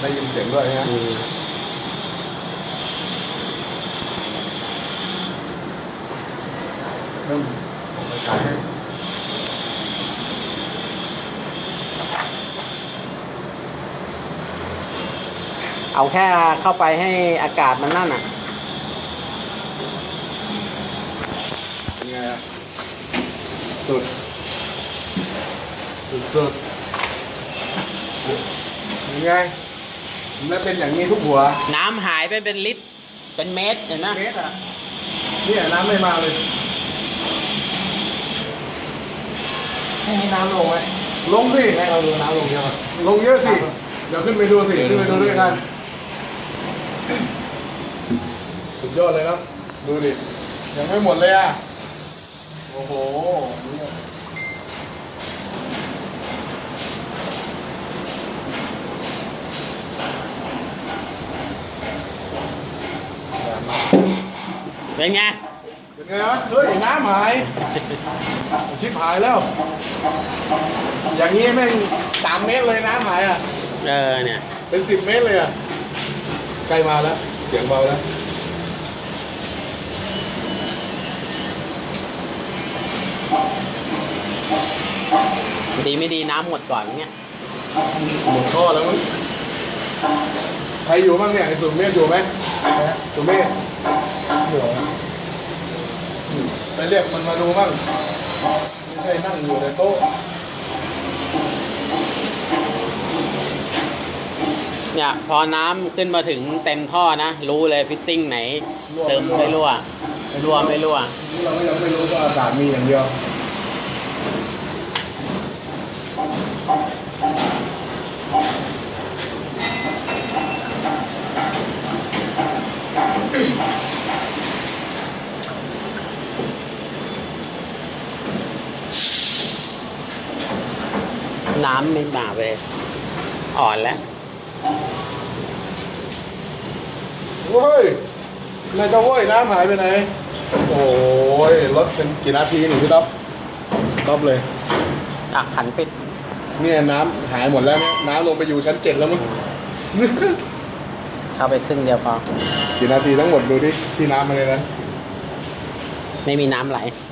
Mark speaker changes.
Speaker 1: ได้ยินเสียงด้วยนะเริ่มออกไปไกลให้
Speaker 2: เอาแค่เข้าไปให้อากาศมันนั่นอ่ะ
Speaker 1: เป็นไงอ่ะสุดสุดยังไงแล้วเป็นอย่างนี้ทุกหัว
Speaker 2: น้ำหายไปเป็นลิตรเป็นเมตรเห็นไหม
Speaker 1: เมตรอ่ะเนี่ยน้ำไม่มาเลยให้น้ำลงไหมลงสิให้เราดูน้ำลงเยอะลงเยอะสิเดี๋ยวขึ้นไปดูสิขึ้นไปดูด้วยกันสุดยอดเลยนะดูดิยังไม่หมดเลยอ่ะโอ้โห
Speaker 2: เป็นไง
Speaker 1: เป็นไงวะเฮ้ยน้ำหายชิบหายแล้วอย่างนี้แม่ง3 เมตรเลยน้ำหายอ่ะ
Speaker 2: เนี่ย
Speaker 1: เป็น10 เมตรเลยอ่ะใกล้มาแล้วเสียงเบาแล้ว
Speaker 2: ดีไม่ดีน้ำหมดก่อนเงี้ย
Speaker 1: หมดท่อแล้วมั้งใครอยู่บ้างเนี่ยไอ้สุเมธอยู่ไหมสุเมธอยู่ไปเรียกมันมาดูบ้างไม่ใช่นั่งอยู่ในโต๊ะ
Speaker 2: เนี่ยพอน้ำขึ้นมาถึงเต็มท่อนะรู้เลยฟิตติ้งไหนเติมไม่รั่วไม่รั่ว
Speaker 1: เราก็ยังไม่รู้ว่าอากาศมีอย่างเดียว
Speaker 2: น้ำไม่มาไปอ่อนแล้ว
Speaker 1: เว้ยนายจะเว้ยน้ำหายไปไหนโอ้ยรถเป็นกี่นาทีหนิพี่ต๊อบเลย
Speaker 2: ขันปิด
Speaker 1: เนี่ยน้ำหายหมดแล้วเนี่ยน้ำลงไปอยู่ชั้น7แล้วมั้ง
Speaker 2: เข้าไปครึ่งเดียวพอ
Speaker 1: กี่นาทีทั้งหมดดูที่น้ำมาเลยนะ
Speaker 2: ไม่มีน้ำไหล